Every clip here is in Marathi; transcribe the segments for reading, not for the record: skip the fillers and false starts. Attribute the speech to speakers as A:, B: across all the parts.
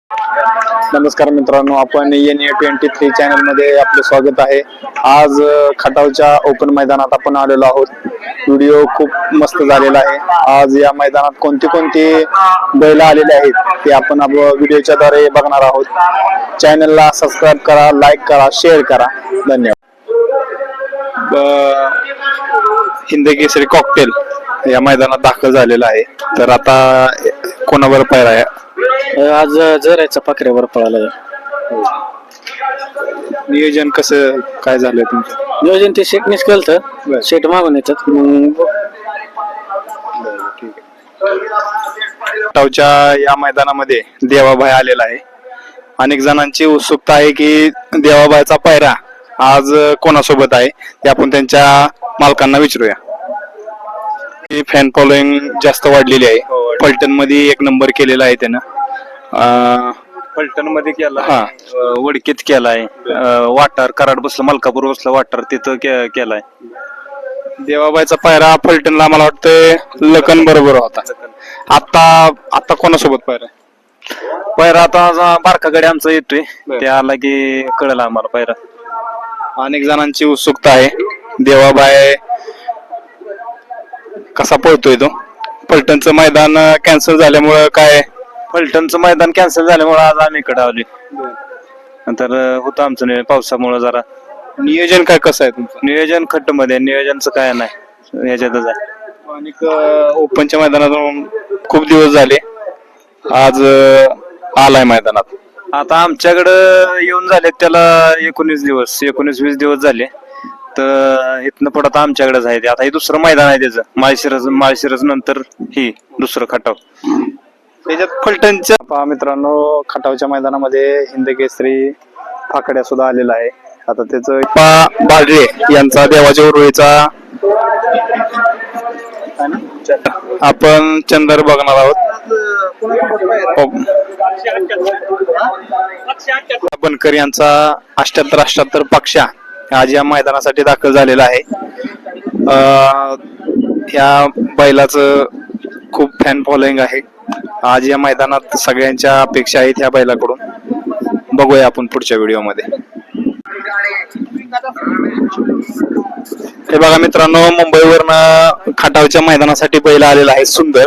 A: नमस्कार मित्रांनो, आपण NA23 चॅनल मध्ये आपले स्वागत आहे. आज खटावच्या ओपन मैदानात आपण आलेलो आहोत. व्हिडिओ खूप मस्त झालेला आहे. आज या मैदानात कोणती बैल आलेले आहेत ते आपण व्हिडिओच्या द्वारे बघणार आहोत. चॅनलला सबस्क्राईब करा, लाईक करा, शेअर करा. धन्यवाद. हिंदकेसरी कॉकटेल या मैदानात दाखल झालेला आहे. तर आता कोणावर पायरा आहे?
B: आज जरायचा पाखऱ्यावर पळाला.
A: नियोजन कसं काय झालंय तुमचं?
B: नियोजन ते शेटनेच केलं, शेट मागून येतात.
A: खटावच्या या मैदानामध्ये देवाभाई आलेला आहे. अनेक जणांची उत्सुकता आहे की देवाबाईचा पायरा आज कोणासोबत आहे ते आपण त्यांच्या मालकांना विचारूया. फॅन फॉलोइंग जास्त वाढलेली आहे. फलटण मध्ये एक नंबर केलेला आहे त्यानं.
C: फलटण मध्ये केला, वडकीत केलाय, वाटार कराड बसलं, मलकापूर बसलं वाटार तिथं केलाय.
A: देवाबाईचा पायरा फलटणला मला वाटतं लखन बरोबर होता. आता कोणासोबत पायरा?
C: पायरा आता बारकाकडे आमचा येतोय, ते आला की कळलं आम्हाला पायरा.
A: अनेक जणांची उत्सुकता आहे देवाबाई कसा पळतोय तो. फलटणचं मैदान कॅन्सल झाल्यामुळं काय?
C: फलटणचं मैदान कॅन्सल झाल्यामुळे आज आम्ही इकडे आलोय. नंतर होतं आमचं पावसामुळे जरा.
A: नियोजन काय कसं आहे तुमचं?
C: नियोजन खट्ट मध्ये, नियोजनचं काय नाही, ह्याच्यातच आहे.
A: आणि ओपनच्या मैदानातून खूप दिवस झाले, आज आलाय मैदानात.
C: आता आमच्याकडं येऊन झाले त्याला 19-20 दिवस झाले. तर इथनं पुढं आता आमच्याकडेच आहे. आता हे दुसरं मैदान आहे त्याचं, माळशिरस नंतर ही दुसरं खटाव.
A: त्याच्यात फलटणच्या मित्रांनो खटावच्या मैदानामध्ये हिंदकेसरी फाकड्या सुद्धा आलेला आहे. आता त्याचं बाळरे यांचा देवाच्या उरुळीचा आपण चंदर बघणार आहोत. बनकर यांचा 78 पक्षा आज या मैदानासाठी दाखल झालेला आहे. या बैलाचं खूप फॅन फॉलोइंग आहे. आज या मैदानात सगळ्यांच्या अपेक्षा आहेत ह्या बैलाकडून. बघूया आपण पुढच्या व्हिडिओमध्ये. हे बघा मित्रांनो, मुंबईवरनं खटावच्या मैदानासाठी बैल आलेला आहे सुंदर.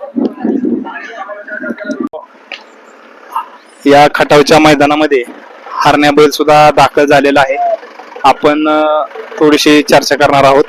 A: या खटावच्या मैदानामध्ये हरण्या बैल सुद्धा दाखल झालेला आहे. आपण थोडीशी चर्चा करणार आहोत.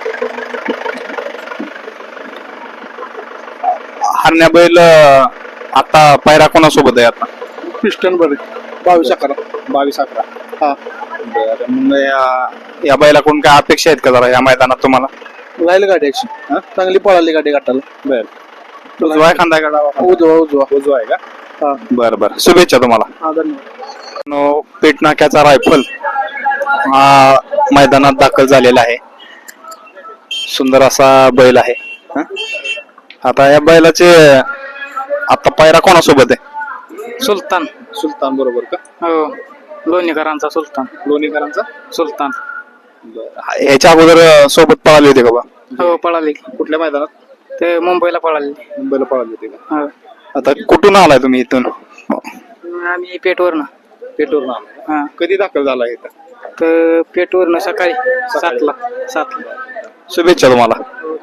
A: हरण्या बैल आता पायरा कोणासोबत आहे? आता
B: पिस्टन बरे
A: 22-11. हा, बरं. या बैलाकडून काय अपेक्षा आहेत का जरा या मैदानात तुम्हाला?
B: राहील गाडी चांगली पळाली गाडी गाठाला.
A: बरं. उजवा खांदा गाडा? उजवा आहे का? बरं. शुभेच्छा तुम्हाला. पेट नाक्याचा रायफल हा मैदानात दाखल झालेला आहे. सुंदर असा बैल आहे. आता या बैलाचे आता पायरा कोणासोबत आहे? सुलतान बरोबर का?
B: हो, लोणीकरांचा सुलतान.
A: ह्याच्या अगोदर सोबत पळाले होते का बा?
B: हो, पळाली.
A: कुठल्या मैदानात?
B: ते मुंबईला पळाली.
A: पळाले होते का? आता कुठून आलाय तुम्ही इथून?
B: आम्ही पेटवरनं
A: आलाय. कधी दाखल झाला इथं?
B: तर पेटवरनं सकाळी 7ला.
A: शुभेच्छा तुम्हाला.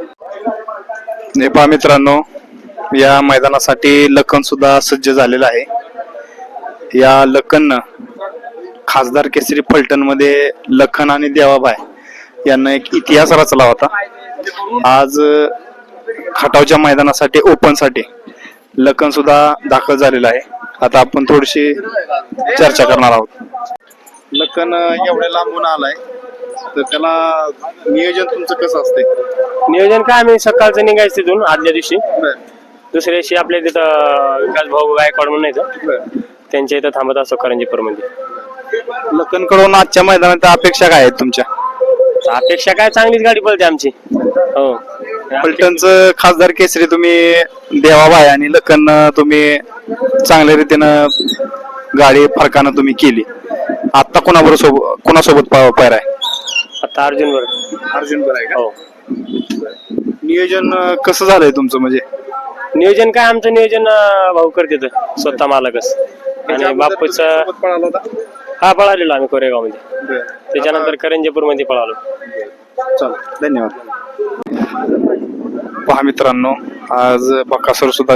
A: नेपाळ मित्रांनो, या मैदानासाठी लखन सुद्धा सज्ज झालेला आहे. या लखन खासदार केसरी फलटण मध्ये लखन आणि देवाबाई यांना एक इतिहास रचला होता. आज खटावच्या मैदानासाठी ओपन साठी लखन सुद्धा दाखल झालेला आहे. आता आपण थोडीशी चर्चा करणार आहोत. लखन एवढ्या लांबून आलाय, तर त्याला नियोजन तुमचं कसं असतंय?
D: नियोजन काय, आम्ही सकाळचं निघायचं तिथून आदल्या दिवशी. दुसऱ्या दिवशी आपल्या तिथं विकास भाऊ गायकवाड म्हणून येतं, त्यांच्या इथं थांबत असतो करंजीपूर मध्ये.
A: लखन कडून आजच्या मैदानात अपेक्षा काय आहेत तुमच्या?
D: अपेक्षा काय, चांगलीच गाडी पळते आमची. हो,
A: फलटणचं खासदार केसरी तुम्ही देवाबाई आणि लखन तुम्ही चांगल्या रीतीनं गाडी फरकानं तुम्ही केली. आता कोणासोबत पायरा आहे?
D: आता अर्जुन बरोबर
A: आहे का?
D: हो.
A: नियोजन कसं झालंय तुमचं? म्हणजे
D: नियोजन काय, आमचं नियोजन भाऊ करते स्वतः मालकच. आणि बापूचा
A: पळाला होता
D: हा पळालेलो आम्ही कोरेगाव मध्ये. त्याच्यानंतर करंजेपूर मध्ये पळालो.
A: चल धन्यवाद. पहा मित्रांनो, आज बकासूर सुद्धा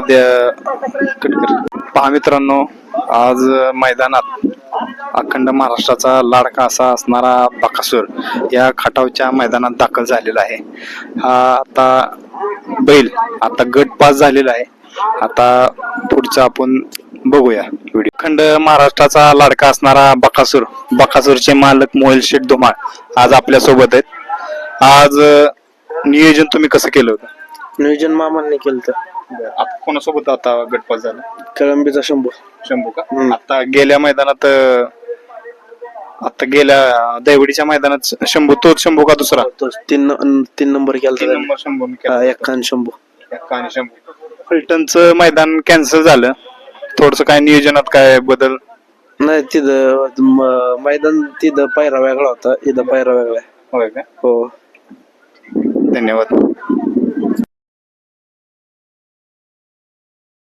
A: पहा मित्रांनो, आज मैदानात अखंड महाराष्ट्राचा लाडका असा असणारा बकासूर या खटावच्या मैदानात दाखल झालेला आहे. हा आता बैल आता गट पास झालेला आहे. आता पुढचा आपण बघूया व्हिडिओ. अखंड महाराष्ट्राचा लाडका असणारा बकासूरचे मालक मोहिल शेठ धुमाळ आज आपल्या सोबत आहेत. आज नियोजन तुम्ही कसं केलं होतं?
E: नियोजन मामांनी केलं तर
A: आता कोणासोबत आता गटपास झाला?
E: कळंबीचा
A: शंभू का? आता गेल्या मैदानात गेल्या दैवडीच्या मैदानात तोच शंभू का दुसरा?
E: तीन नंबर केला
A: शंभू
E: एक्कान शंभू.
A: फलटणचं मैदान कॅन्सल झालं. थोडस काय नियोजनात काय बदल?
E: नाही तिथं मैदान तिथं पायरा वेगळा होता, इथं पायरा वेगळा आहे.
A: होय का?
E: हो.
A: धन्यवाद.